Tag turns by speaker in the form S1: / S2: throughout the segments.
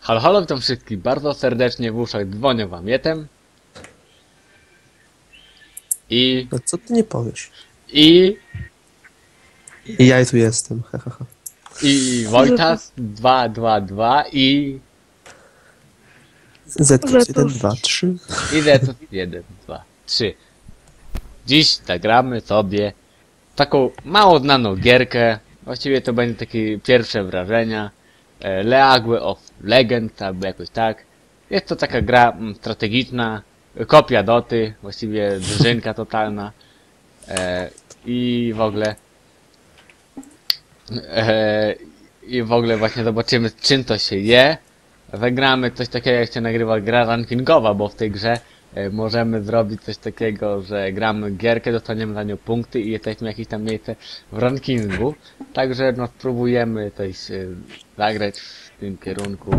S1: Halo, halo, witam wszystkich bardzo serdecznie, w uszach dzwonię wam Jetem.
S2: No co ty nie powiesz?
S1: I
S2: Ja tu jestem, hahaha.
S1: Wojtas 222
S2: Zetus 1, 2, 3.
S1: i Zetus 1, 2, 3. Dziś zagramy sobie taką mało znaną gierkę. Właściwie to będzie takie pierwsze wrażenia. League of Legends, albo jakoś tak. Jest to taka gra strategiczna, kopia Doty, właściwie drużynka totalna. I w ogóle właśnie zobaczymy, z czym to się je. Zagramy coś takiego, jak się nagrywa gra rankingowa, bo w tej grze możemy zrobić coś takiego, że gramy gierkę, dostaniemy za nią punkty i jesteśmy jakieś tam miejsce w rankingu. Także no spróbujemy coś zagrać w tym kierunku.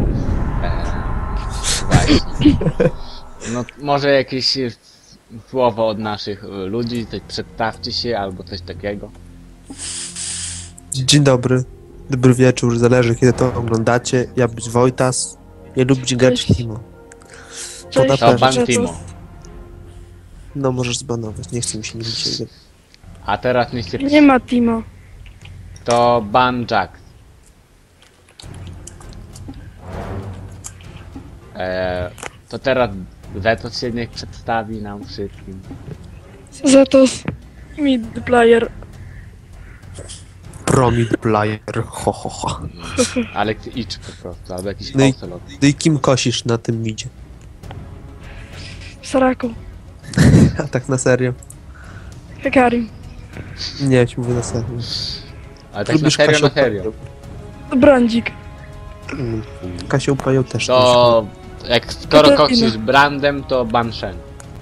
S1: Właśnie. No może jakieś słowo od naszych ludzi, coś przedstawcie się albo coś takiego.
S2: Dzień dobry. Dobry wieczór, zależy kiedy to oglądacie. Ja być Wojtas. Ja lubić grać w Timo.
S3: Cześć.
S1: To ban Timo.
S2: No możesz zbanować, nie chcę mi się nie dzisiaj.
S1: A teraz nie się...
S3: Nie ma Timo.
S1: To ban Jack. To teraz Zetos się niech przedstawi nam wszystkim.
S3: Zetos. Mid player.
S2: Promid player, ho ho ho.
S1: Ale idź po prostu, albo jakiś
S2: No i-
S1: ocelot.
S2: No i kim kosisz na tym midzie?
S3: Saraku.
S2: A tak na serio?
S3: Hekarim.
S2: Nie, ja ci mówię na serio.
S1: Ale tak na serio, na serio.
S3: Brandzik.
S2: Kasią Pają też.
S1: To jak skoro
S3: Katarina.
S1: koksisz brandem, to ban Shen.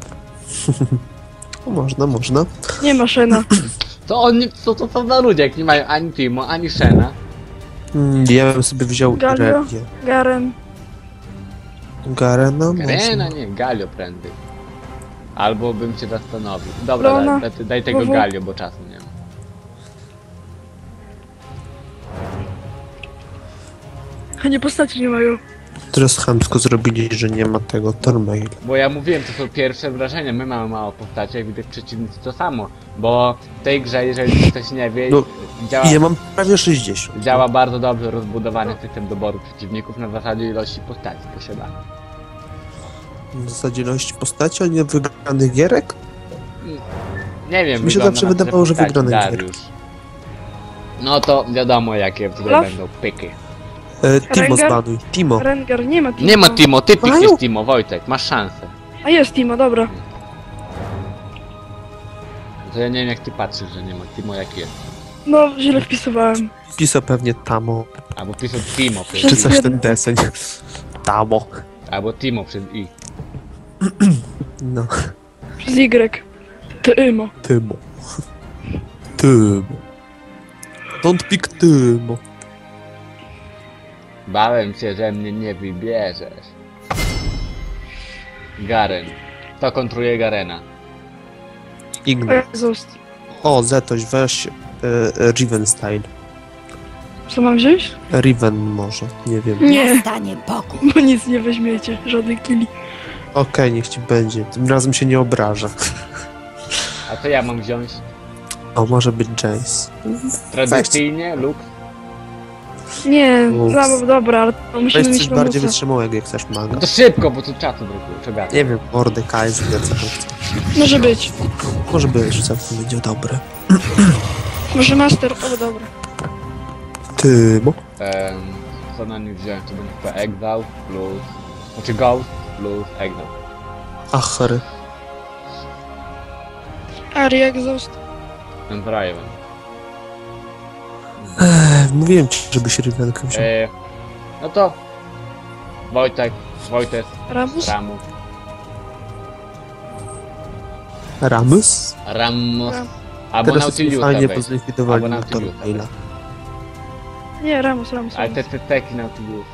S2: O, można.
S3: Nie ma Shena.
S1: To oni, to są za ludzie, jak nie mają ani Timo, ani Shena.
S2: Ja bym sobie wziął
S3: Galio?
S2: Regię.
S3: Garen.
S2: Garena
S1: Garena,
S2: można.
S1: nie, Galio prędzej. Albo bym cię zastanowił. Dobra,
S3: Rona.
S1: daj tego
S3: Wowo.
S1: Galio, bo czasu nie ma.
S3: A nie postaci nie mają.
S2: Teraz chamsko zrobili, że nie ma tego Tormail.
S1: Bo ja mówiłem, to są pierwsze wrażenia, my mamy mało postaci, jak widać przeciwnicy to samo. Bo w tej grze, jeżeli ktoś nie wie,
S2: No,
S1: działa,
S2: I ja mam prawie 60.
S1: działa bardzo dobrze rozbudowany system doboru przeciwników na zasadzie ilości postaci posiadanych.
S2: W zasadzie ilość postaci, a nie wygranych gierek?
S1: Nie wiem,
S2: Mi się
S1: wygląda
S2: zawsze
S1: na te
S2: wydawało, że
S1: postaci,
S2: wygrane
S1: Dariusz. No to wiadomo, jakie tutaj
S3: Olaf?
S1: będą pyki.
S2: Timo
S3: Rengar?
S2: zbanuj. Timo.
S3: Rengar. Nie ma Timo.
S1: Nie ma Timo, ty
S2: Mają?
S1: pikniesz Timo, Wojtek, masz szansę.
S3: A jest Timo, dobra.
S1: To ja nie wiem, jak ty patrzysz, że nie ma Timo, jak jest.
S3: No, źle wpisywałem.
S2: Pisał pewnie Tamo.
S1: Albo pisze Timo przez
S2: Czy
S3: Przez
S1: I.
S2: coś
S3: jeden.
S2: ten deseń. Tamo.
S1: Albo Timo przez I.
S2: No.
S3: Przez Y. Tymo.
S2: Tymo. Tymo. Don't pick Tymo.
S1: Bałem się, że mnie nie wybierzesz. Garen. Kto kontruje Garena?
S2: Igna.
S3: Exhaust.
S2: O, Zetoś, weź Riven style.
S3: Co mam wziąć?
S2: Riven może, nie wiem.
S3: Nie,
S4: Nastanie pokój.
S3: bo nic nie weźmiecie. Żadnych killi.
S2: Okej, niech ci będzie. Tym razem się nie obraża.
S1: A co ja mam wziąć?
S2: O, może być Jace.
S1: Tradycyjnie lub...
S3: Nie,
S2: Ups.
S3: dobra, ale to musimy
S2: Weź
S3: mieć
S2: coś bardziej
S3: Ramusa.
S2: wytrzymałego, jak chcesz maga.
S1: No to szybko, bo tu czatu brakuje, czego?
S2: Nie wiem, Mordekaj, co to chce.
S3: Może być.
S2: Może być, że całkiem będzie dobre.
S3: Może Master. O, dobra.
S2: Tymo.
S1: Co na nich wziąłem? To będzie chyba Exhaust plus... Znaczy Ghost plus Exhaust.
S2: Achry.
S3: Ari Exhaust.
S1: Ten Draven.
S2: Mówiłem ci, żebyś Rivenkę wziął.
S1: No to... Wojtek, Wojtes,
S3: Ramus?
S1: Ramus,
S2: Ramus?
S1: Ramos,
S3: Ram.
S1: albo
S2: Teraz sobie
S1: Nautiliusa
S2: fajnie
S1: weź.
S2: pozlikwidowali
S1: Albo
S2: na
S1: Nautiliusa.
S2: Tormaila.
S3: Nie, Ramus.
S1: Ale te teki Nautiliusa.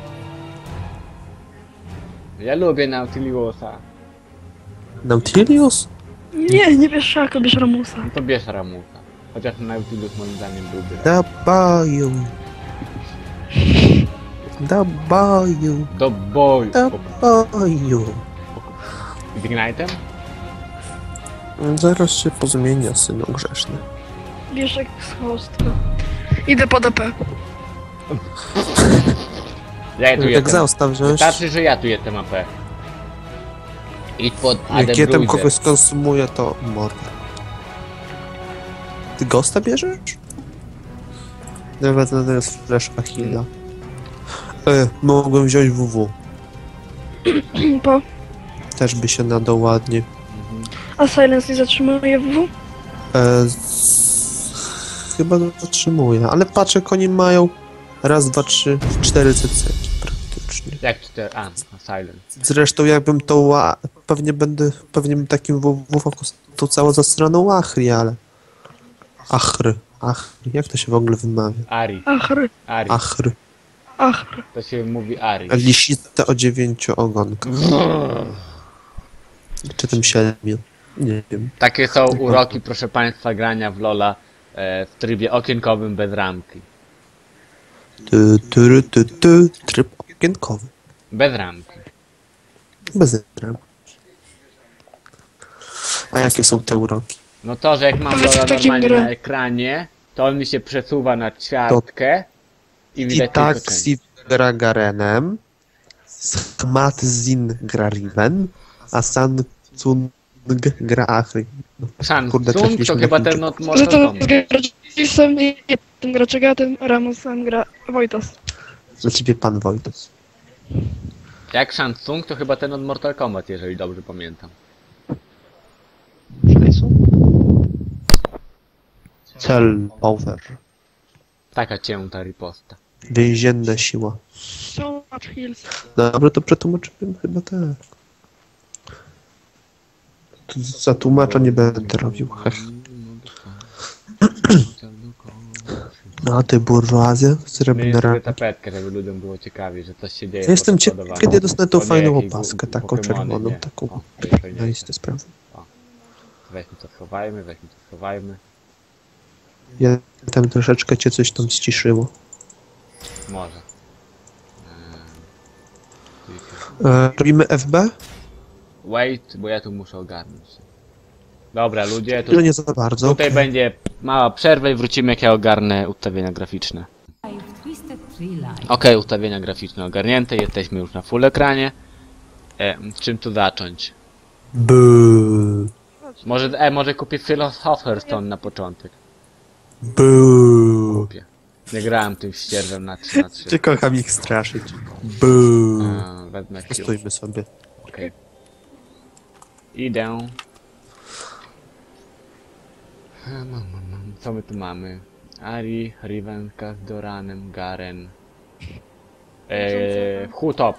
S1: Ja lubię Nautiliusa.
S2: Nautilius?
S3: Nie bierz Szako, bierz Ramusa.
S1: No to bierz Ramusa. Chociaż Nautilius moim zdaniem byłby.
S2: Dabają. Do boju,
S1: Do boju.
S2: do boju.
S1: Z Ignite'em?
S2: Zaraz się pozmienia, synu grzeszny.
S3: Wiesz jak z chłostka. Idę po DP.
S1: Ja tu
S2: Jak
S1: jestem.
S2: zostaw wziąć,
S1: Wystarczy, że ja tu jestem AP. Idź pod AD
S2: jak ja tam
S1: Bruiser.
S2: kogoś skonsumuję, to mordę. Ty Ghosta bierzesz? Nawet to jest flash Achilla. Mogłem wziąć WW.
S3: Po.
S2: Też by się nadał ładnie.
S3: A Silence nie zatrzymuje WW?
S2: Chyba zatrzymuję, ale patrzę, jak oni mają raz, dwa, trzy, 4 CC praktycznie.
S1: Jak 4? A, Silent.
S2: Zresztą jakbym pewnie bym takim WW to całą zastraną Achri, ale... Achry, jak to się w ogóle wymawia?
S1: Ari.
S3: Achry.
S1: Ari.
S2: Achry.
S3: Achry.
S1: To się mówi Ari.
S2: Lisista o 9 ogonkach. Czy tym 7? Nie wiem.
S1: Takie są uroki, proszę państwa, grania w LoL'a w trybie okienkowym bez ramki.
S2: Tryb okienkowy.
S1: Bez ramki.
S2: Bez ram. A jakie są te uroki?
S1: No to, że jak mam
S3: Powiedz w
S1: LoL'a
S3: takim
S1: normalnie
S3: grę.
S1: na ekranie, to on mi się przesuwa na ćwiartkę i widać tylko część.
S2: Taxi gra Garenem, Schmatzin gra Riven, a San Tsung gra Achry. Kurde,
S1: Shansung
S2: trafiliśmy
S1: to
S2: na
S1: chyba
S2: Chińczyków.
S1: ten od
S3: Że
S1: Mortal
S3: to
S1: Kombat.
S3: Graczysem i tym Graczegatem, Ramosem gra Wojtas.
S2: Dla ciebie pan Wojtos.
S1: Jak Shansung to chyba ten od Mortal Kombat, jeżeli dobrze pamiętam.
S2: Cel over.
S1: Taka cięta riposta.
S2: Więzienna siła.
S3: So much heals.
S2: Dobra, to przetłumaczyłem chyba tak. Tu za tłumacza nie będę robił. Hech. No a ty burżuazja?
S1: Mieli
S2: Srebrna
S1: sobie
S2: rana.
S1: tapetkę, żeby ludziom było ciekawie, że coś się dzieje.
S2: Ja jestem
S1: pod
S2: ciekaw,
S1: spodobami.
S2: kiedy dostanę tą
S1: O nie,
S2: fajną
S1: jakieś
S2: opaskę, taką
S1: Pokemony,
S2: czerwoną,
S1: nie.
S2: taką...
S1: O, to jest fajniejsze.
S2: No jest to sprawa.
S1: Weźmy to schowajmy, weźmy to schowajmy.
S2: Ja tam troszeczkę cię coś tam ściszyło.
S1: Może.
S2: Robimy FB?
S1: Wait, bo ja tu muszę ogarnąć się. Dobra, ludzie,
S2: Tyle nie za bardzo.
S1: tutaj będzie mała przerwa i wrócimy, jak ja ogarnę ustawienia graficzne. Okej, ustawienia graficzne ogarnięte, jesteśmy już na full ekranie. Czym tu zacząć?
S2: Buu.
S1: Może kupię Philosopher's Stone na początek.
S2: Buu.
S1: Kupię. Nie grałem tym ścierwem na 3 na 3.
S2: Cię kocham ich straszyć. Buu.
S1: Wezmę Q.
S2: Stójmy sobie.
S1: Okej. Idę. Co my tu mamy? Ari, Riven, z Doranem, Garen. Hutop.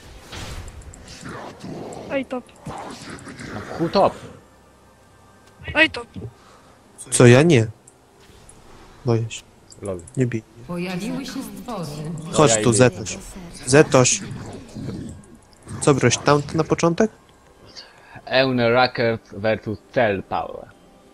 S3: Ej top.
S1: No, Hutop.
S3: Ej top.
S2: Co ja nie? Boję się.
S1: Lol.
S2: Nie bij.
S4: Pojawiły się stwory.
S2: Chodź
S1: ja
S2: tu,
S1: idę.
S2: Zetoś. Zetoś. Co broś tam na początek?
S1: Eune Rackers vs Cell Power.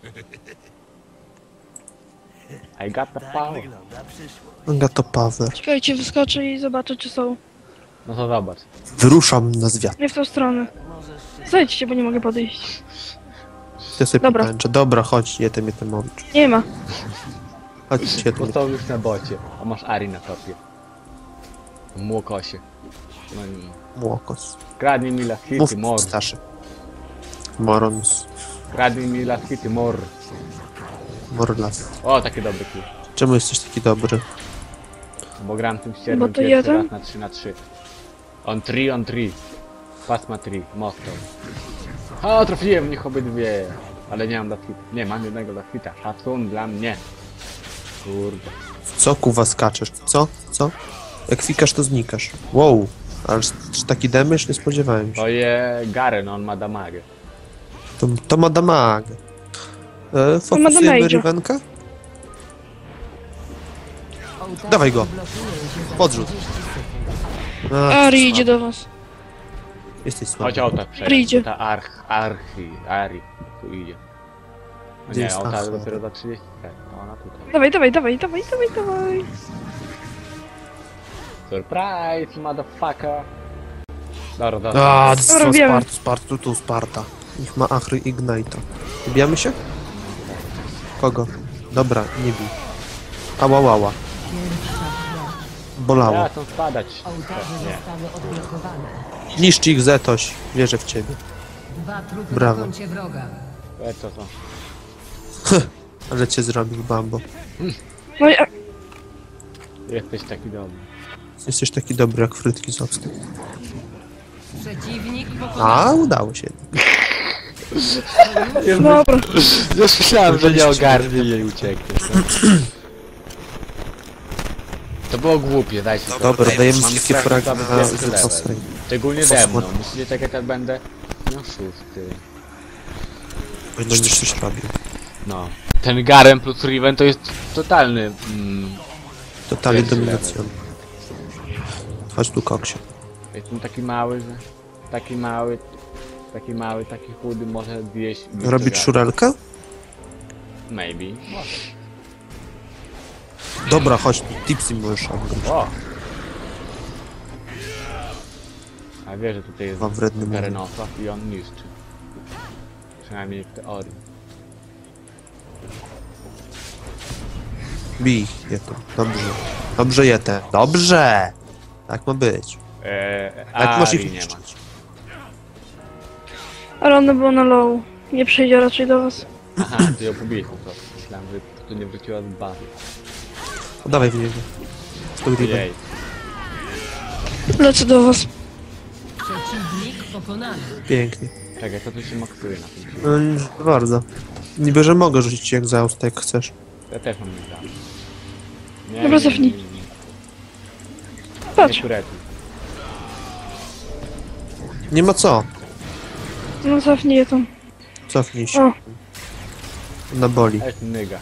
S1: I got the power.
S2: Gato Power.
S3: Czekajcie, wyskoczę i zobaczę czy są.
S1: No to zobacz.
S2: Wyruszam na zwiat.
S3: Nie w tą stronę. Zejdźcie, bo nie mogę podejść.
S2: Ja sobie
S3: Dobra.
S2: pomęczę. Dobra, chodź, jetem mowicz.
S3: Nie ma.
S2: Chodź,
S1: Bo
S2: jetem.
S1: są już na bocie. A masz Ari na topie. Młokosie. No nie.
S2: Młokos.
S1: Kradnij mi las
S2: Mów,
S1: hity, mor.
S2: starszy. Morons.
S1: Kradnij mi las hity, mor.
S2: Morlas.
S1: O, takie dobre kill.
S2: Czemu jesteś taki dobry?
S1: Bo gram tym
S3: Bo
S1: ścierwem
S3: to
S1: pierwszy
S3: jeden?
S1: raz na 3 na 3. On 3. Pasma 3, mocno. O, trafiłem w nich obydwie. Ale nie mam las hita. Nie, mam jednego las hita. Szacun dla mnie. Kurde.
S2: Co kuwa skaczesz? Co? Co? Jak fikasz, to znikasz. Wow. Ale czy taki damage? Nie spodziewałem się.
S1: To je Garen, on ma damagę.
S2: To ma damag. Fokusujemy
S3: damage'a.
S2: Rivenka? Dawaj go. Podrzut. A,
S3: Ari idzie do was.
S2: jesteś
S1: Chodź
S2: słaby.
S1: auta
S3: Idzie.
S1: przejdzie. Ta Ari. Tu idzie. No
S2: Gdzie
S1: nie,
S2: jest
S1: auta
S2: Achra?
S1: dopiero za 30. No ona tutaj.
S3: Dawaj, dawaj, dawaj, dawaj, dawaj, dawaj.
S1: Surprise, motherfucker! Dobra, dobra.
S2: A,
S3: Dobra, wiemy.
S2: Sparta. Niech ma Achry Ignite'a. Wybijamy się? Kogo? Dobra, nie bij. Ała. Bolało.
S1: Ja chcę spadać.
S4: Ołtarze
S1: Nie.
S4: zostały odblokowane.
S2: Niszcz ich, Zetoś. Wierzę w ciebie.
S4: 2 trupy
S2: Brawo.
S4: na koncie wroga.
S1: Co to?
S2: Ale cię zrobił Bambo.
S3: No i
S1: Jesteś taki dobry.
S2: Jesteś taki dobry jak frytki z octem.
S4: Przeciwnik pokonany.
S2: A, udało się.
S3: dobra.
S1: Już myślałem, że nie ogarnie i ucieknie. To było głupie, dajcie to.
S2: Dobra, dajemy
S1: Mam
S2: wszystkie
S1: strasznie
S2: fragi
S1: słaby
S2: na
S1: pierwszy
S2: Zetosa.
S1: level. Szczególnie ze mną. Myślicie tak jak ja będę? No szósty.
S2: Będą już coś robił.
S1: No. Ten Garen plus Riven to jest totalny...
S2: Totalnie
S1: Pierwszy
S2: dominacją. Chodź tu, koksie.
S1: Jestem taki mały, że... Taki chudy może zjeść...
S2: Robić szurelkę?
S1: Maybe. Może.
S2: Dobra, chodź tu, tipsy możesz obgryźć.
S1: O! A wie, że tutaj jest
S2: Mam wredny mózg.
S1: Garenosław i on niszczy. Przynajmniej w teorii.
S2: Bij je to. Dobrze. Dobrze je te. Dobrze! Tak ma być. Tak masz ich
S1: Ari nie ma.
S2: niszczyć.
S3: Ale ona była na low. Nie przyjdzie raczej do was.
S1: Aha, ty ją pobiłeś po prostu. Myślałem, że tu nie wróciła z bazy.
S2: Dawaj w niego. W tą ribę.
S1: Jej.
S3: Lecę do was.
S4: Przeciwnik pokonany.
S2: Pięknie.
S1: Czekaj, to tu się maksuje na tym.
S2: No, nie bardzo. Niby, że mogę rzucić ci egzaust, jak chcesz.
S1: Ja też mam nie dam. Nie,
S3: Dobra, cofnij. Patrz.
S1: Nie kuretuj.
S2: Nie ma co.
S3: No cofnij je tam.
S2: Cofnij się.
S3: O,
S2: Na boli.
S1: To jest nyga.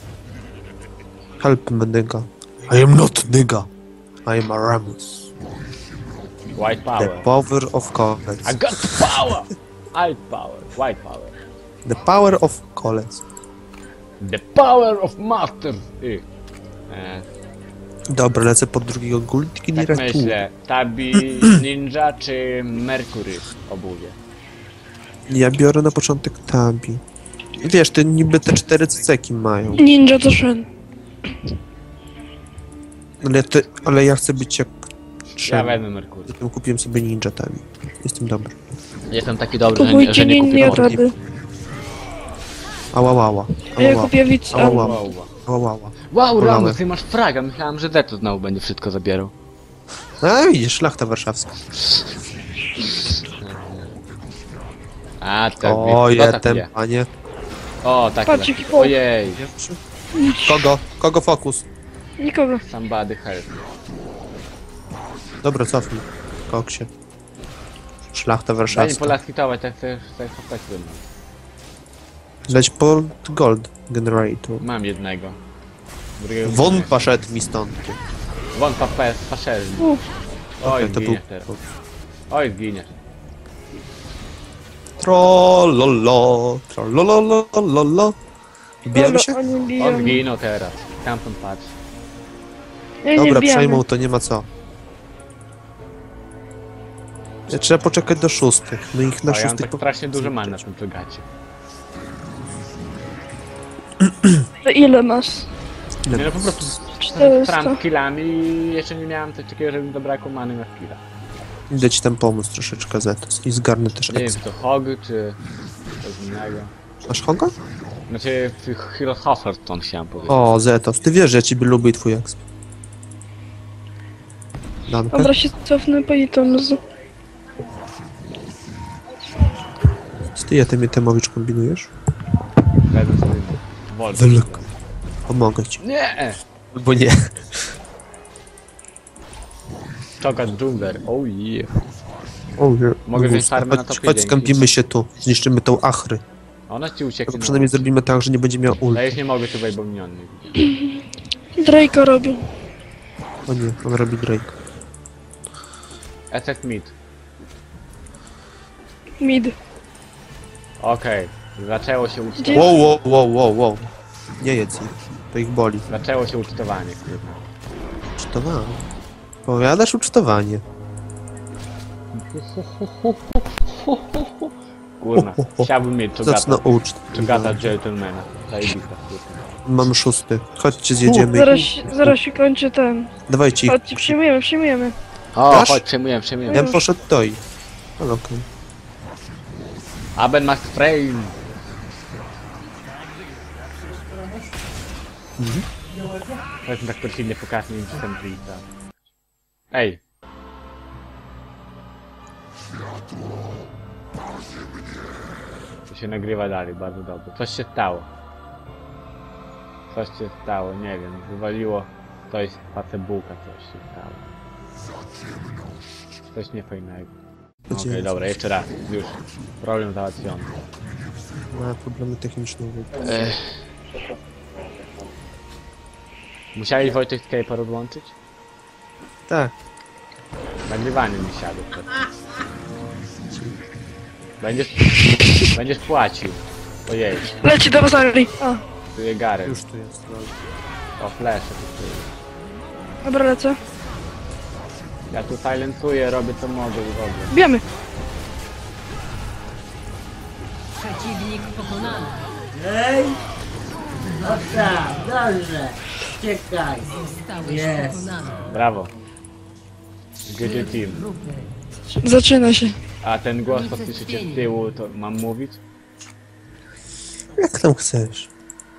S2: Help me, nigga. I am not nigga. I am Aramus.
S1: White
S2: The
S1: power.
S2: power of college.
S1: I got power! White power. White power.
S2: The power of college.
S1: The power of masters!
S2: Dobra, lecę pod drugiego Gultki
S1: Tak
S2: Niretu.
S1: myślę. Tabi, Ninja czy Mercury obuwie?
S2: Ja biorę na początek Tabi. Wiesz, ty niby te 4 ceceki mają.
S3: ninja to Shen.
S2: Ale ja chcę być jak
S1: Ja
S2: trzeba.
S1: wezmę Mercury.
S2: Zatem kupiłem sobie Ninja Tabi. Jestem dobry.
S1: Jestem taki dobry, że
S3: Kupujcie
S1: nie kupię
S3: ninja
S1: Mercury.
S3: rady.
S2: Ała.
S3: A ja kupię widz.
S2: Ała.
S1: Wow,
S2: Ała.
S1: wow
S2: Bolałem.
S1: Ramos, ty masz fraga. Myślałem, że Zeto znowu będzie wszystko zabierał.
S2: A widzisz, szlachta warszawska.
S1: A, tak.
S2: O,
S1: kto tak
S2: jestem,
S1: wie?
S2: panie.
S1: O, tak.
S3: Patrz,
S1: tak.
S3: jaki poł.
S1: Ojej.
S2: Kogo fokus?
S3: Nikogo.
S1: Somebody help.
S2: Dobra, cofnij. Koksie. Szlachta
S1: Daj mi
S2: warszawska.
S1: polaskitować, tak chcę chopać ze mną.
S2: Leć po gold generator.
S1: Mam jednego. Drugiego
S2: Won
S1: nie.
S2: poszedł mi stąd.
S1: Won paszerzy. Oj,
S2: To był...
S1: zginiesz teraz. Oj, zginiesz.
S2: Trollololo. Bijemy się?
S3: Oni
S1: On
S3: biją.
S1: zginął teraz. Tamtąd patrz.
S3: Nie,
S2: Dobra,
S3: bijamy.
S2: przejmą, to nie ma co. Trzeba poczekać do 6. No ich na
S1: O, ja mam
S2: 6
S1: tak strasznie dużo man na tym plegacie.
S3: To ile masz?
S1: Nie no, po prostu
S3: 400.
S1: stram killami i jeszcze nie miałem coś takiego, żeby mi zabrakło many na skilla.
S2: Idę ci tam pomóc troszeczkę, Zetos. I zgarnę też
S1: Nie wiem,
S2: exp.
S1: czy to Hog, czy coś innego.
S2: Masz Hoga?
S1: Znaczy, Hero Hofferton chciałem powiedzieć.
S2: O, Zetos, ty wiesz, że ja ciebie lubię i twój exp. Dankę?
S3: Dobra, się cofnę po Itomz.
S2: Co ty Jatem Jatemowicz kombinujesz?
S1: Wezmę sobie Wolf.
S2: Wylek. Pomogę ci.
S1: Nie!
S2: Albo nie.
S1: Czokat Dżungler, oh yeah.
S2: O, nie.
S1: Mogę wziąć
S2: Gusta.
S1: farmę na
S2: Chodź,
S1: topie,
S2: chodź,
S1: dzięki.
S2: skąpimy się tu. Zniszczymy tą Achry.
S1: Ona ci ucieknie.
S2: Tylko przynajmniej zrobimy tak, że nie będzie miał ult.
S1: Ja już nie mogę tutaj, bo miniony.
S3: Drake'a robił.
S2: O nie, on robi Drake.
S1: SS Mid.
S3: Mid.
S1: Okej. Zaczęło się
S3: Gdzie-
S2: Wow. Nie jedz ich. To ich boli.
S1: Zaczęło się ucztowanie, kurwa.
S2: Czy to ma? Powiadasz ucztowanie.
S1: Kurna, chciałbym mieć
S2: Zacna uczt.
S1: czogata gentlemana. Zajebista, kurwa.
S2: Mam 6. Chodźcie, zjedziemy.
S3: Zaraz się kończy ten.
S2: Dawajcie ich.
S3: Chodźcie, przyjmujemy.
S1: O,
S2: Dasz?
S1: chodź, przejmujemy.
S2: Ja bym poszedł do ich. Ale okej.
S1: Aben macht frame. Chodźmy tak perfidnie pokażmy im system Twitcha. Ej! To się nagrywa dalej, bardzo dobrze. Coś się stało. Coś się stało, nie wiem, wywaliło coś z Facebooka, coś się stało. Coś niefajnego. Okej, dobra, jeszcze raz, już. Problem załatwiony.
S2: Ma problemy techniczne.
S1: Musiałeś Wojtek Skype'a odłączyć?
S2: Tak.
S1: Nagrywanie mi siadło przed. Będziesz płacił. Ojej,
S3: Leci do Bazari. O,
S1: tu jest Gary.
S2: Już tu jest.
S1: O, flash. tu jest.
S3: dobra, lecę.
S1: Ja tu silencuję, robię co mogę i w ogóle.
S3: Bijemy.
S4: Przeciwnik pokonany.
S5: Ej! No tak, dobrze. Czekaj.
S4: Zostałeś
S5: Jest.
S4: pokonany.
S1: Brawo. GG Team.
S4: Grupy.
S3: Zaczyna się.
S1: A ten głos, co słyszycie z tyłu, to mam mówić?
S2: Jak tam chcesz?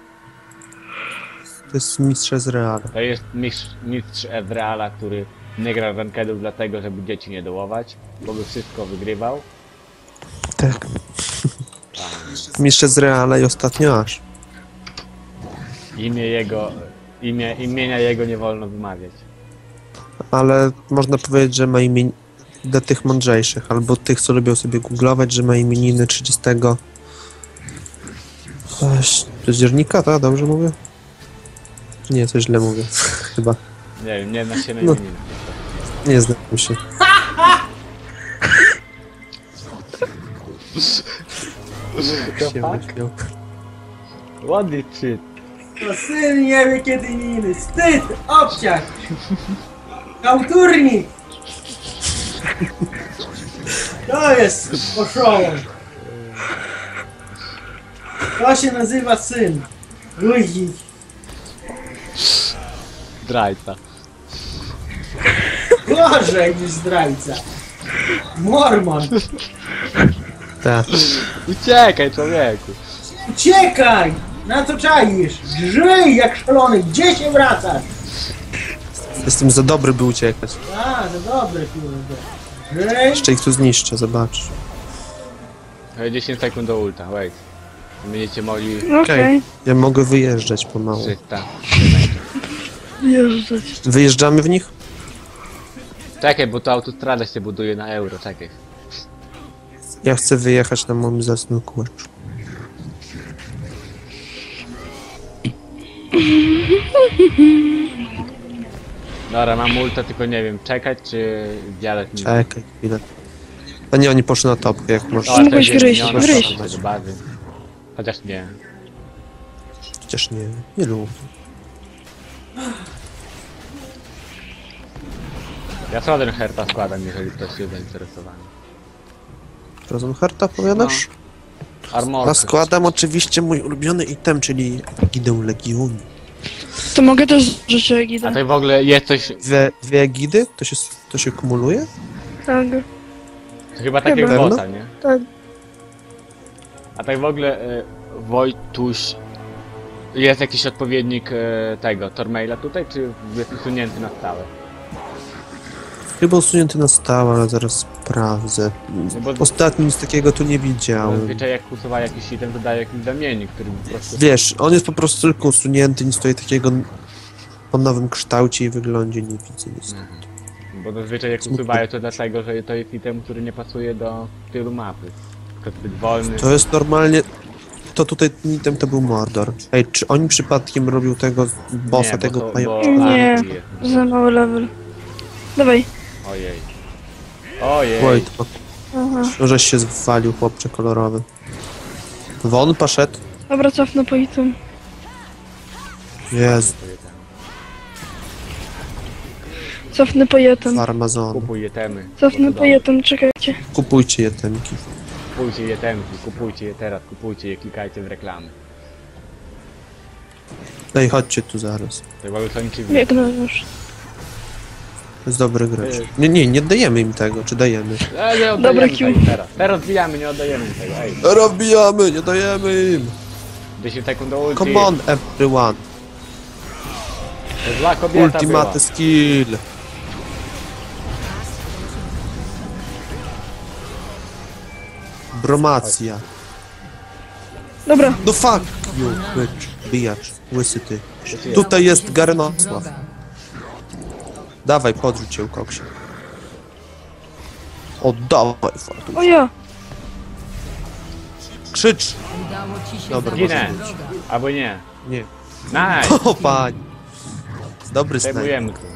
S2: To jest mistrz z Reala.
S1: To jest mistrz Ezreala, który nie gra rankedów dlatego, żeby dzieci nie dołować, bo by wszystko wygrywał.
S2: Tak. Mistrz z Reala i ostatnio aż.
S1: Imienia jego nie wolno wymawiać.
S2: Ale można powiedzieć, że ma imię dla tych mądrzejszych, albo tych, co lubią sobie googlować, że ma imieniny 30... Października, tak? Dobrze mówię? Nie, coś źle mówię. Chyba.
S1: Nie wiem, nie zna się na
S2: No.
S1: imieniny.
S2: Nie znam się. Się myślał.
S1: Ładny shit.
S5: To syn nie wie kiedy inny. Wstyd! Obciach! Kauturnik! To jest poszołom. To się nazywa syn. Luźnik.
S1: Zdrajca.
S5: Gorzej niż zdrajca. Mormon.
S2: Tak.
S1: Uciekaj, człowieku.
S5: Uciekaj! Na co czaisz? Żyj jak szalony. Gdzie się wracasz?
S2: Jestem za dobry, by uciekać.
S5: A, no dobre kurde. Żyj.
S2: Jeszcze ich tu zniszczę, zobacz.
S1: 10 sekund do ulta, wait. Będziecie mogli
S3: No okej.
S2: Ja mogę wyjeżdżać pomału.
S1: 300.
S3: Jeżdżać.
S2: Wyjeżdżamy w nich?
S1: Czekaj, bo to autostrada się buduje na euro, czekaj.
S2: Ja chcę wyjechać na moim zasnym kółeczku.
S1: Dobra, mam ulta, tylko nie wiem, czekać czy wjadać mi.
S2: Czekaj chwilę. A nie, oni poszli na topkę, jak możesz.
S1: Dobra,
S3: Mógłbyś
S1: to jest
S3: wyjść,
S1: miniona,
S3: wyjść.
S1: to do bazy. Chociaż nie.
S2: Przecież nie, nie lubię.
S1: Ja Southern Herta składam, jeżeli ktoś jest zainteresowany.
S2: Rosenharta powiadasz?
S1: Armor.
S2: A składam oczywiście mój ulubiony item, czyli Egidę Legionu.
S3: To mogę też życie
S1: A
S3: Egida.
S1: to w ogóle jest coś,
S2: Dwie Egidy? To się kumuluje?
S3: Tak.
S1: to chyba takiego
S2: Pewno?
S1: bota, nie?
S3: Tak.
S1: A tak w ogóle Wojtuś, jest jakiś odpowiednik tego, Tormaila tutaj, czy jest usunięty na stałe?
S2: Chyba usunięty na stałe, ale zaraz sprawdzę.
S1: No bo
S2: Ostatnio nic takiego tu nie widziałem.
S1: zazwyczaj jak usuwa jakiś item, to daje jakiś zamiennik, który po prostu...
S2: Wiesz, on jest po prostu tylko usunięty, nic tutaj takiego o nowym kształcie i wyglądzie nie widzę. Nic.
S1: Bo zazwyczaj jak usuwają to dlatego, że to jest item, który nie pasuje do stylu mapy. Tylko zbyt wolny.
S2: To jest normalnie... To tutaj ten item to był Mordor. Ej, czy oni przypadkiem robią tego bossa,
S1: Nie, bo
S2: tego
S1: to-
S2: pająka?
S1: bo
S3: Nie.
S1: Arki jest.
S3: Za mały level. Dawaj.
S1: Ojej. Ojej.
S2: Wojt,
S3: Aha.
S2: żeś się zwalił, chłopcze kolorowy. Won poszedł.
S3: Dobra, cofnę po item.
S2: Jezu.
S3: Cofnę po jeden.
S2: Farmazon.
S1: Kupuj jetemy.
S3: Cofnę po jeden, czekajcie.
S2: Kupujcie jetemki.
S1: Kupujcie jetemki, kupujcie je teraz, kupujcie je, klikajcie w reklamy.
S2: Ej, chodźcie tu zaraz.
S1: Tak mamy kończymy.
S3: Biegnę już.
S2: To jest dobry gracz. Nie oddajemy im tego, czy dajemy?
S1: Nie
S3: Dobra,
S1: oddajemy
S3: Q.
S1: tego teraz. Teraz zbijamy, nie oddajemy tego, ej.
S2: Rozbijamy, nie dajemy im!
S1: 10 sekund do ulti.
S2: Come on, everyone!
S1: Zła kobieta
S2: Ultimate
S1: była.
S2: skill! Bromacja.
S3: Dobra,
S2: No fuck you, bitch. Bijacz, łysy ty. Tutaj jest Garenosław. Dawaj, podrzuć się, koksie. Oddawaj, fartu.
S3: o ja.
S2: Krzycz!
S4: Udało ci się
S2: Dobra,
S4: zabić
S1: Ginę.
S4: wroga.
S1: Albo nie.
S2: Nie.
S1: Nice!
S2: O, pani. Dobry snajper.
S1: Zajmujemy tu.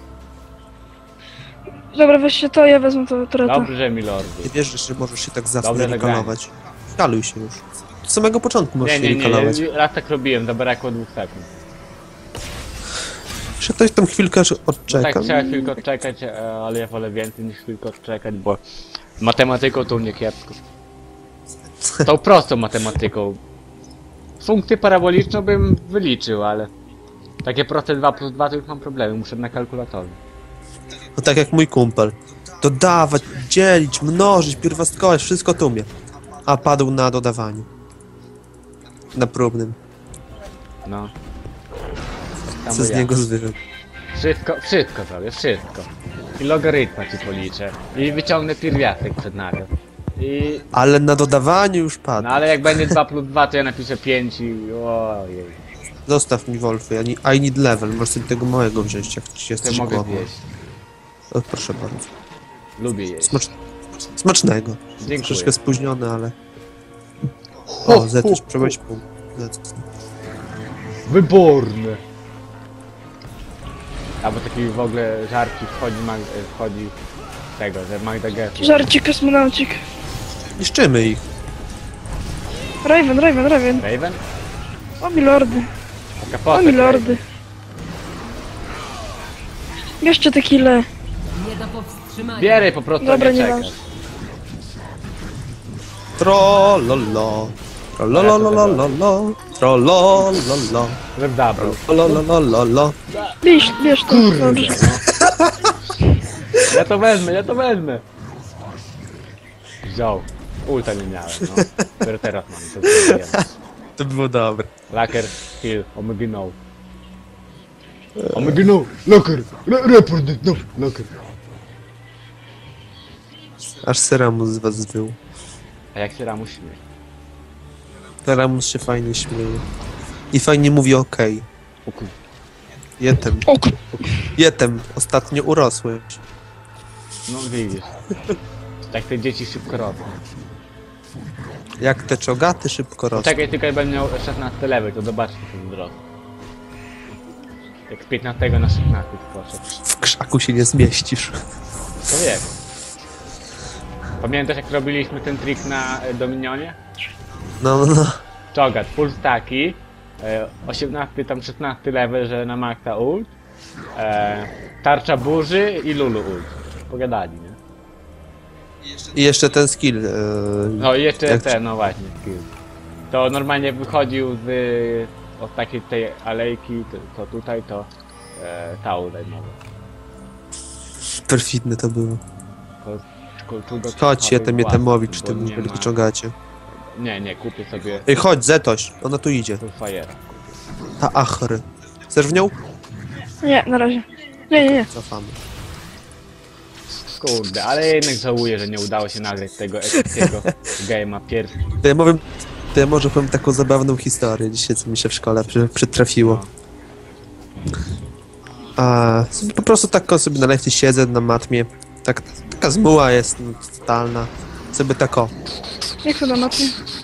S3: Dobra, weźcie to, ja wezmę to treta.
S1: Dobrze, milordy.
S2: Nie wierzysz, że możesz się tak
S1: Dobre
S2: zawsze
S1: zagranie.
S2: rekalować. Kaluj się już. Od samego początku możesz
S1: Nie,
S2: się
S1: nie,
S2: rekalować.
S1: nie, raz tak robiłem, zabrakło 2 sekund.
S2: Jeszcze ktoś tam chwilkę
S1: No
S2: odczeka.
S1: tak, trzeba chwilkę odczekać, ale ja wolę więcej niż chwilkę odczekać, bo z matematyką to u mnie kiepsko. Tą prostą matematyką. Funkcję paraboliczną bym wyliczył, ale takie proste 2 plus 2 to już mam problemy, muszę na kalkulatorze.
S2: No tak jak mój kumpel. Dodawać, dzielić, mnożyć, pierwiastkować, wszystko tu umie. A padł na dodawaniu. Na próbnym.
S1: No. Tak
S2: Co
S1: samo
S2: z
S1: ja.
S2: niego zwykle.
S1: Wszystko zrobię, wszystko. I logarytma ci policzę. I wyciągnę pierwiastek przed nawias. I...
S2: Ale na dodawaniu już padł.
S1: No ale jak będzie 2 plus 2 to ja napiszę 5 i... Ojej.
S2: Zostaw mi Wolfy, I need level. Możesz sobie tego małego wziąć, jak ci
S1: To
S2: jesteś
S1: mogę
S2: głodny.
S1: zjeść.
S2: O, proszę bardzo.
S1: Lubię jeść.
S2: Smacznego.
S1: Dziękuję.
S2: Troszkę spóźniony, ale... O, Zetuś, przebyć pół. Zetuś.
S1: Wyborne. Albo taki w ogóle żarci wchodzi tego, że Magda Gessler.
S3: Żarcik, kosmonaucik.
S2: Niszczymy ich.
S3: Raven.
S1: Raven?
S3: O milordy,
S1: Taka
S3: o
S1: postać
S3: milordy. Jeszcze te kile.
S4: Nie do powstrzymania.
S1: Bieraj po prostu,
S3: Dobra,
S1: nie
S3: nie
S1: czekaj.
S3: masz.
S2: Trollolo. Trollololololo. Trollololo.
S1: Żeby zabrał.
S2: Trollolololo.
S3: Bierz to, dobrze.
S1: Ja to wezmę. Wziął. Ulta nie miałem, no. Dopiero teraz mam, to zrobiłem.
S2: To było dobre.
S1: Laker, kill, omega no. Omega no, laker, report it, no, laker.
S2: Aż Seramus z was zwył.
S1: A jak się Ramus śmieje?
S2: Seramus się fajnie śmieje. I fajnie mówi okej.
S1: O kur...
S2: Jetem. Jetem. Ostatnio urosłeś.
S1: No widzisz. Tak te dzieci szybko rosną.
S2: Jak te czogaty szybko rosną.
S1: Czekaj, tylko jak będę miał 16 level, to zobaczcie ten wzrost. Jak z 15 na 16 poszedł.
S2: W krzaku się nie zmieścisz.
S1: To wiem. Pamiętasz jak robiliśmy ten trik na Dominionie?
S2: No.
S1: Czogat, full stacki, 18 tam 16 level, że na maksa ult, tarcza burzy i Lulu ult. Pogadali, nie?
S2: I jeszcze ten skill.
S1: No i jeszcze
S2: Jak-
S1: ten, no właśnie, skill. To normalnie wychodził z od takiej tej alejki, to tutaj to tał zajmował.
S2: Perfidne to było.
S1: To
S2: Chodź, Jetemowicz,
S1: bo
S2: tym
S1: nie
S2: wielki
S1: ma-
S2: czogacie.
S1: Nie, kupię sobie
S2: Ej, chodź, Zetoś. Ona tu idzie.
S1: Fullfire'a.
S2: Ta achry. Chcesz w nią?
S3: Nie, na razie. Nie.
S2: Cofamy.
S1: Kurde, ale jednak żałuję, że nie udało się nagrać tego epickiego game'a pierwszy.
S2: To ja może powiem taką zabawną historię dzisiaj, co mi się w szkole przytrafiło. Sobie po prostu tak sobie na lekcji siedzę na matmie. Taka zmuła jest no, totalna. Sobie tako.
S3: Jak to na matnie?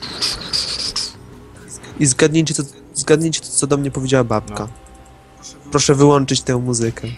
S2: I zgadnijcie, to, co do mnie powiedziała babka.
S1: No.
S2: Proszę wyłączyć tę muzykę.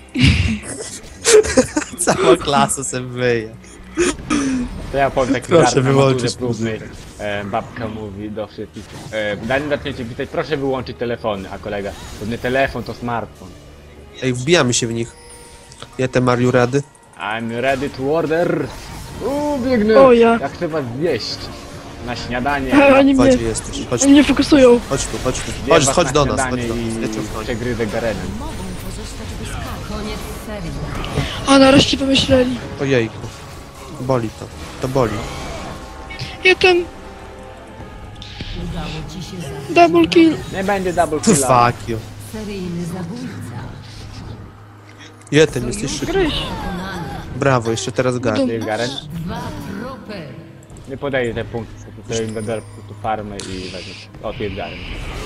S2: Cała klasa sobie wyje.
S1: To ja powiem taki
S2: Proszę
S1: żart na
S2: wyłączyć
S1: maturze próbnej. Babka mówi do wszystkich. Zanim zaczniecie pisać, proszę wyłączyć telefony, a kolega, to nie telefon, to smartfon.
S2: Ej, wbijamy się w nich. Jetem, are you ready?
S1: I'm ready to order. Biegnę.
S3: O, ja.
S1: Jak chcę was zjeść. Na śniadanie.
S3: Oni mnie,
S2: Gdzie jesteś? Chodź
S3: oni mnie fokusują.
S2: Chodź tu, chodź tu.
S1: Zjem was
S2: Chodź
S1: na
S2: do nas,
S1: śniadanie
S2: chodź do nas. Ja cię
S1: I
S2: ochronię.
S1: przegryzę Garenem.
S4: Koniec serii.
S3: A nareszcie pomyśleli.
S2: Ojejku. Boli to. To boli.
S3: Jestem
S4: Udało ci się zabić
S3: double kill.
S1: Nie będzie double killa.
S2: Fuck you.
S4: seryjny zabójca.
S2: Jetem, jesteś szybki.
S3: Gryź.
S2: Brawo, jeszcze teraz Gary.
S1: Ty, Garen?
S4: 2 trupy.
S1: Nie podaję te punkty, to im będę po prostu farmę i wezmę. O, tu jest Garen.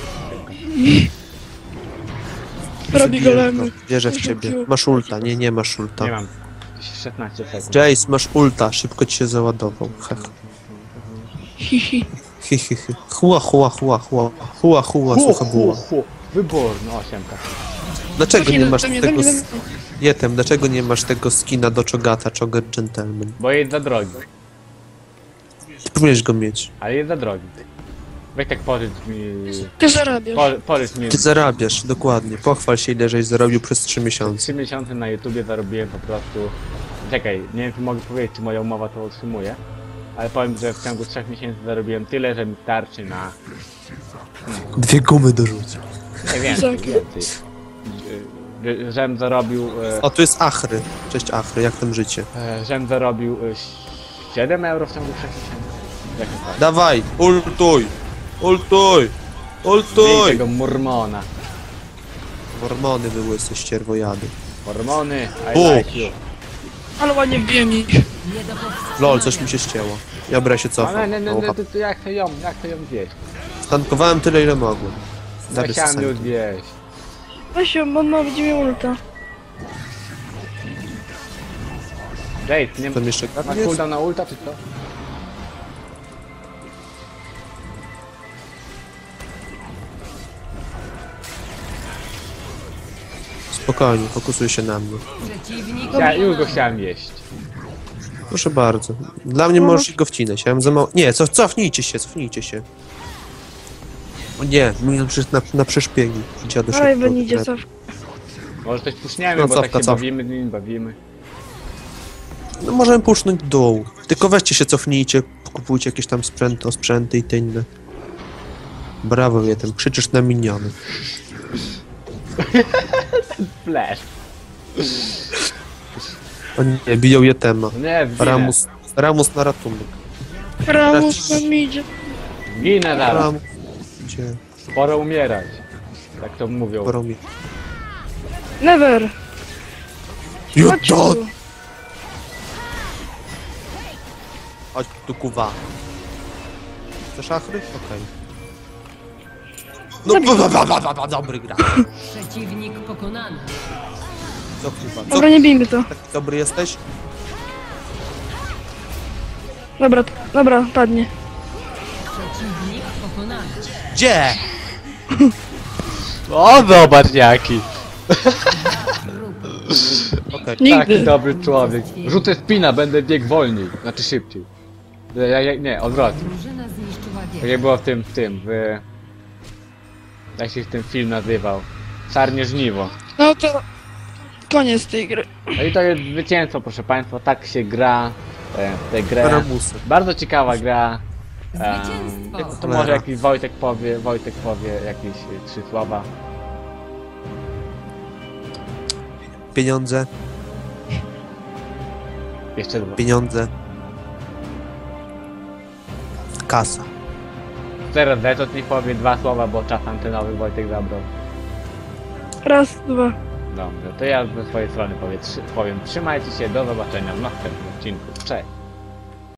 S3: Robi golemy.
S2: Wierzę w ciebie. Masz ulta. Nie, nie masz ulta.
S1: Nie mam. 16 sekund.
S2: Jace, masz ulta. Szybko ci się załadował. Hech.
S3: Hihi.
S2: Hi, hi, hi. Hua, hua, hua, hua. Hua, hua, słucha buła.
S1: Wyborny, 8K.
S2: Dlaczego nie masz
S3: Do mnie,
S2: tego...
S3: do mnie, do mnie.
S2: Jetem, dlaczego nie masz tego skina do Chogata, Chogat Gentleman?
S1: Bo jest za drogi.
S2: Ty powinieneś go mieć.
S1: Ale jest za drogi. Weź tak pożycz mi...
S3: Ty zarabiasz.
S1: Pożycz mi...
S2: Ty zarabiasz, dokładnie. Pochwal się, ile żeś zarobił przez 3 miesiące.
S1: 3 miesiące na YouTubie zarobiłem po prostu... Czekaj, nie wiem czy mogę powiedzieć, czy moja umowa to utrzymuje. Ale powiem, że w ciągu 3 miesięcy zarobiłem tyle, że mi starczy na...
S2: 2 gumy dorzucił.
S1: Nie więcej, więcej. Żem zarobił...
S2: O, tu jest Achry. Cześć Achry, jak tam życie?
S1: Żem zarobił 7 euro w ciągu 3 miesięcy. Jak to tak?
S2: Dawaj, ultuj! Ultuj!
S1: Bij
S2: Ultuj!
S1: tego mormona.
S2: Hormony były ze ścierwojady.
S1: Hormony, I
S2: Bu.
S1: like you.
S3: Ale ładnie wbiłem ich.
S4: Nie do powstrzymania.
S2: Lol, coś mi się ścięło. Dobra, się
S1: Ale
S2: cofam.
S1: to jak to ją zjeść?
S2: Stankowałem tyle, ile mogłem.
S1: Ja
S2: Zaraz
S1: chciałem ją
S2: sanki.
S1: zjeść.
S3: Weź ją, on ma będzie miał ulta.
S1: Jade, nie
S2: Tam jeszcze
S1: masz
S2: karny jest?
S1: cooldown na ulta czy co?
S2: Spokojnie, fokusuj się na mnie.
S4: Przeciwnik
S1: Już go chciałem jeść.
S2: Proszę bardzo. Dla mnie możesz go wcinać. Ja mam za mało... Nie, cofnijcie się, cofnijcie się. O nie, na przeszpiegi. Dziadu
S3: Aj,
S2: szybko.
S3: będzie cof.
S1: Może coś puszniemy,
S2: No,
S1: bo
S2: cofka,
S1: tak się
S2: cofka.
S1: bawimy, z nim bawimy.
S2: No możemy pusznąć dół. Tylko weźcie się, cofnijcie, kupujcie jakieś tam sprzęty i te inne. Brawo, Jetem, krzyczysz na miniony.
S1: Flash.
S2: O nie, biją Jetema.
S1: Nie, zginę.
S2: Ramus na ratunek.
S3: Ramus nam idzie.
S1: Ginę zaraz.
S2: Ramus. Gdzie?
S1: Pora umierać. Tak to mówią.
S2: Poromie.
S3: Never.
S2: You
S3: Chodź tu.
S2: don't! Chodź tu, kuwa. Chcesz Achry? Okej. No, dobry gra.
S4: Przeciwnik pokonany.
S2: Co, kuwa? Co,
S3: Dobra, nie bijmy to.
S2: taki dobry jesteś?
S3: Dobra, dobra, padnie.
S4: Przeciwnik pokonany.
S2: Gdzie?
S1: O, zobacz jaki.
S2: Okej.
S1: Taki
S3: Nigdy.
S1: dobry człowiek. Rzucę spina, będę biegł wolniej. Znaczy szybciej. Nie, odwrotnie.
S4: Drużyna zniszczyła
S1: Tak
S4: wieżę.
S1: jak było jak się ten film nazywał? Czarnie żniwo.
S3: No to koniec tej gry.
S1: No i to jest zwycięstwo, proszę państwa. Tak się gra tę grę.
S2: Ramusy.
S1: Bardzo ciekawa gra.
S4: Zwycięstwo.
S1: To może jakiś Wojtek powie jakieś 3 słowa.
S2: Pieniądze,
S1: Jeszcze 2.
S2: pieniądze. Kasa.
S1: Teraz Zetot niech powie 2 słowa, bo czas antenowy Wojtek zabrał.
S3: Raz, dwa.
S1: Dobrze, to ja ze swojej strony powiem trzymajcie się, do zobaczenia w następnym odcinku. Cześć!